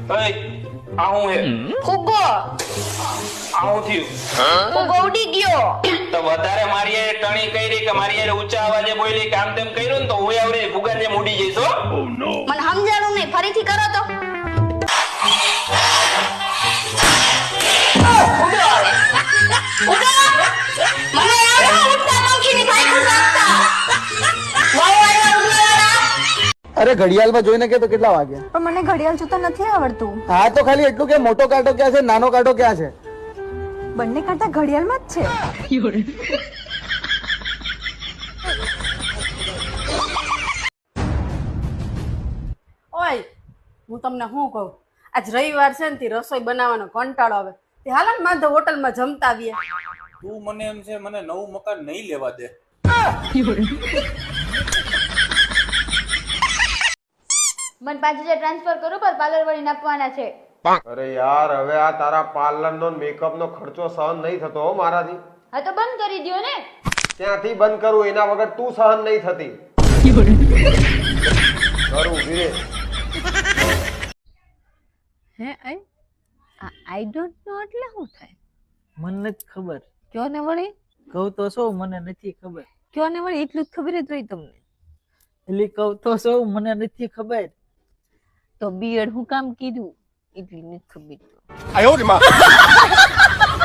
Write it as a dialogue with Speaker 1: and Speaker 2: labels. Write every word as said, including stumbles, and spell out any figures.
Speaker 1: ઓય આ હું હે
Speaker 2: ફુગ્ગો
Speaker 1: આ હું થયું
Speaker 2: ફુગ્ગો ઉડી ગયો.
Speaker 1: તો વધારે મારી હારે ટણી કરી કે મારી હારે ઊંચા અવાજે બોલી કે આમ તેમ કર્યું ને તો હું આવડે ફુગાન જેમ ઉડી જઈશ હો.
Speaker 2: મને સમજાણું નહીં, ફરીથી કરો તો. ઉડો હવે. ઉડો. મને આવડે ઉડતા પંખીની ભાઈ નાખતા. વાહ વાહ ઉડવાળા.
Speaker 3: અરે ઘડિયાળમાં જોઈને કે તો કેટલા વાગ્યા?
Speaker 4: પણ મને ઘડિયાળ જોતા નથી આવડતું.
Speaker 3: હા તો ખાલી એટલું કે મોટો કાંટો ક્યાં છે, નાનો કાંટો ક્યાં છે?
Speaker 4: બંને કાંટા ઘડિયાળમાં જ છે.
Speaker 5: ઓય હું તમને શું કહું, આજ રવિવાર છે ને તે રસોઈ બનાવવાનો કંટાળો આવે. તે હાલ ને માધવ હોટલમાં જમતા આવીએ.
Speaker 6: તું મને એમ છે મને નવું મકાન નહીં લેવા દે.
Speaker 7: મને પાંચ હજાર ટ્રાન્સફર કરો પર પાર્લર વાળીને આપવાના છે.
Speaker 8: અરે યાર હવે આ તારા પાર્લર નો મેકઅપ નો ખર્ચો સહન નહીં થતો હો મારાથી.
Speaker 7: હા તો બંધ કરી દ્યો ને.
Speaker 8: ત્યાંથી બંધ કરું એના વગર તું સહન નહીં થતી. કરું ધીરે.
Speaker 9: હે આઈ આઈ ડોન્ટ નો એટલે શું થાય?
Speaker 10: મને નથી ખબર.
Speaker 9: કયો ને વળી?
Speaker 10: કહું તો શું મને નથી ખબર.
Speaker 9: કયો ને વળી, એટલું જ ખબર જ હોય તમને.
Speaker 10: એટલે કહું તો શું મને નથી ખબર.
Speaker 9: તો બીએડ હું કામ કીધું એટલી નથી ખબર.
Speaker 8: આયો રે માં.